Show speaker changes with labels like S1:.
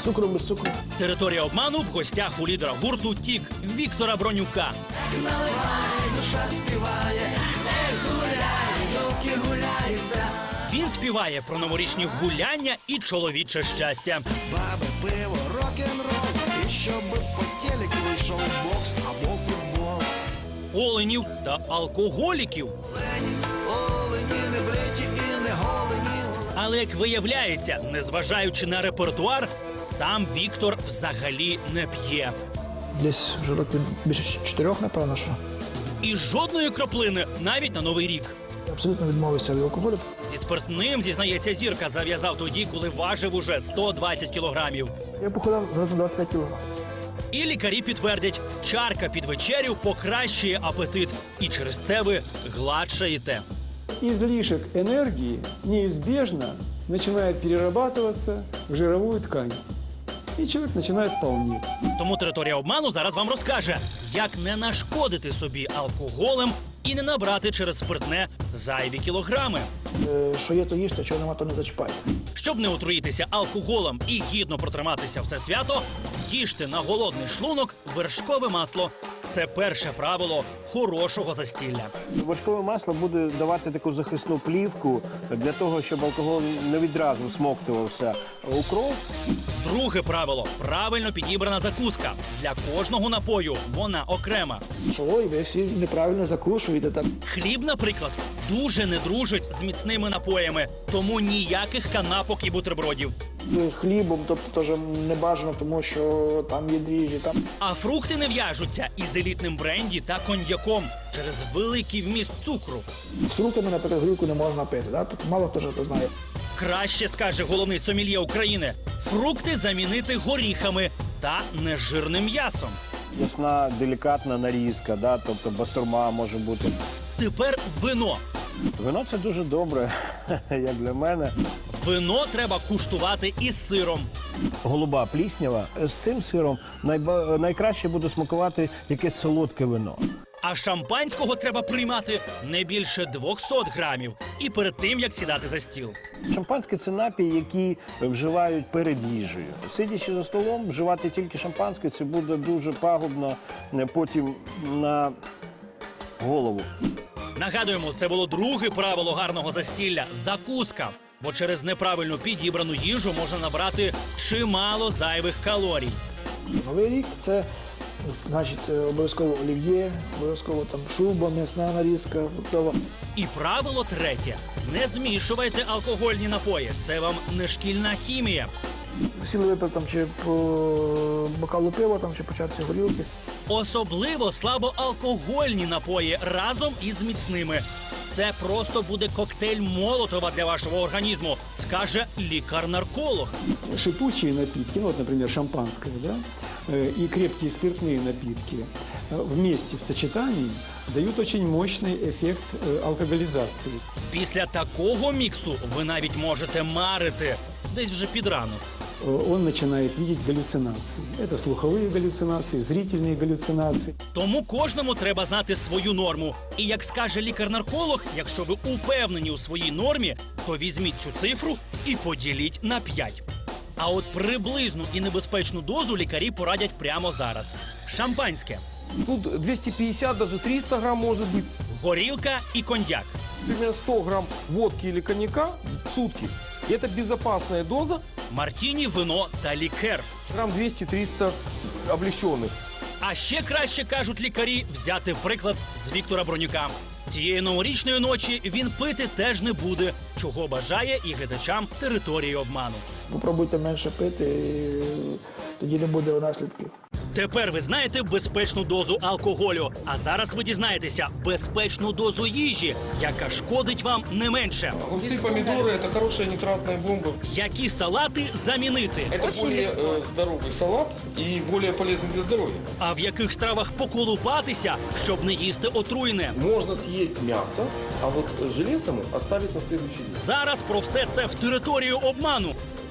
S1: цукру, без цукру.
S2: Територія обману в гостях у лідера гурту «Тік» Віктора Бронюка. Він співає про новорічні гуляння і чоловіче щастя.
S3: Баби, пиво, рок-н-рол, і щоб по телеку вийшов бокс або футбол.
S2: Оленів та алкоголіків.
S3: Олені не бриті і не голені.
S2: Але, як виявляється, незважаючи на репертуар, сам Віктор взагалі не п'є.
S1: Десь вже років більше 4, напевно, що.
S2: І жодної краплини навіть на Новий рік.
S1: Я абсолютно відмовився від алкоголю.
S2: Зі спиртним, зізнається Зірка, зав'язав тоді, коли важив уже 120 кілограмів.
S1: Я похудав разом 25 кг.
S2: І лікарі підтвердять, чарка під вечерю покращує апетит. І через це ви гладшаєте.
S4: Излишек энергии неизбежно начинает перерабатываться в жировую ткань. И человек начинает полнеть.
S2: Тому територія обману зараз вам розкаже, як не нашкодити собі алкоголем і не набрати через спиртне зайві кілограми.
S1: Що є, то їжте, чого нема, то не зачіпайте.
S2: Щоб не отруїтися алкоголем і гідно протриматися все свято, з'їжте на голодний шлунок вершкове масло. Це перше правило хорошого застілля.
S5: Вершкове масло буде давати таку захисну плівку для того, щоб алкоголь не відразу всмоктувався у кров.
S2: Друге правило – правильно підібрана закуска. Для кожного напою вона окрема.
S1: Ой, ви всі неправильно закушуєте там.
S2: Хліб, наприклад, дуже не дружить з міцними напоями, тому ніяких канапок і бутербродів.
S1: Хлібом, тобто теж не бажано, тому що там є дріжджі, там.
S2: А фрукти не в'яжуться із елітним бренді та коньяком через великий вміст цукру.
S1: З фруктами, наприклад, горілку не можна пити, да? Тут мало хто ж це знає.
S2: Краще, скаже головний сомельє України, фрукти замінити горіхами та нежирним м'ясом.
S5: Ясна, делікатна нарізка, да? Тобто бастурма може бути.
S2: Тепер вино.
S5: Вино – це дуже добре, як для мене.
S2: Вино треба куштувати із сиром.
S5: Голуба пліснява. З цим сиром найкраще буде смакувати якесь солодке вино.
S2: А шампанського треба приймати не більше 200 грамів. І перед тим, як сідати за стіл.
S5: Шампанське – це напій, який вживають перед їжею. Сидячи за столом, вживати тільки шампанське – це буде дуже пагубно потім на голову.
S2: Нагадуємо, це було друге правило гарного застілля – закуска. Бо через неправильно підібрану їжу можна набрати чимало зайвих калорій.
S1: Новий рік – це, значить, обов'язково олів'є, обов'язково там шуба, м'ясна нарізка, фруктова.
S2: І правило третє – не змішувайте алкогольні напої. Це вам не шкільна хімія.
S1: Сіли випив там чи по бокалу пива, там, чи по чарці горілки.
S2: Особливо слабоалкогольні напої разом із міцними. Це просто буде коктейль Молотова для вашого організму, скаже лікар-нарколог.
S4: Шипучие напитки, ну вот, например, шампанское, да, и крепкие спиртные напитки вместе в сочетании дают очень мощный эффект алкоголизации.
S2: Після такого міксу ви навіть можете марити десь вже під ранок.
S4: Он начинает видеть галлюцинации. Это слуховые галлюцинации, зрительные галлюцинации.
S2: Тому кожному треба знати свою норму. І як скаже лікар-нарколог, якщо ви упевнені у своїй нормі, то візьміть цю цифру і поділіть на 5. А от приблизну і небезпечну дозу лікарі порадять прямо зараз. Шампанське,
S6: Тут 250, даже 300 грамм может быть.
S2: горілка і коньяк.
S6: Примерно 100 грамм водки или коньяка в сутки. И это безопасная доза.
S2: Мартіні, вино та лікер.
S6: Грамм 200-300 облегченных.
S2: А ще краще, кажуть лікарі, взяти приклад з Віктора Бронюка. Цієї новорічної ночі він пити теж не буде, чого бажає і глядачам території обману.
S1: Попробуйте менше пити, і тоді не буде наслідків.
S2: Тепер ви знаєте безпечну дозу алкоголю, а зараз ви дізнаєтеся безпечну дозу їжі, яка шкодить вам не менше.
S6: Огурцы, помидоры – это хорошая нитратная бомба.
S2: Які салати замінити,
S6: Это более здоровый салат и более полезный для здоровья.
S2: а в яких стравах поколупатися, щоб не їсти отруйне.
S6: Можно съесть мясо, а вот желе само оставить на следующий день.
S2: Зараз про все це в територію обману.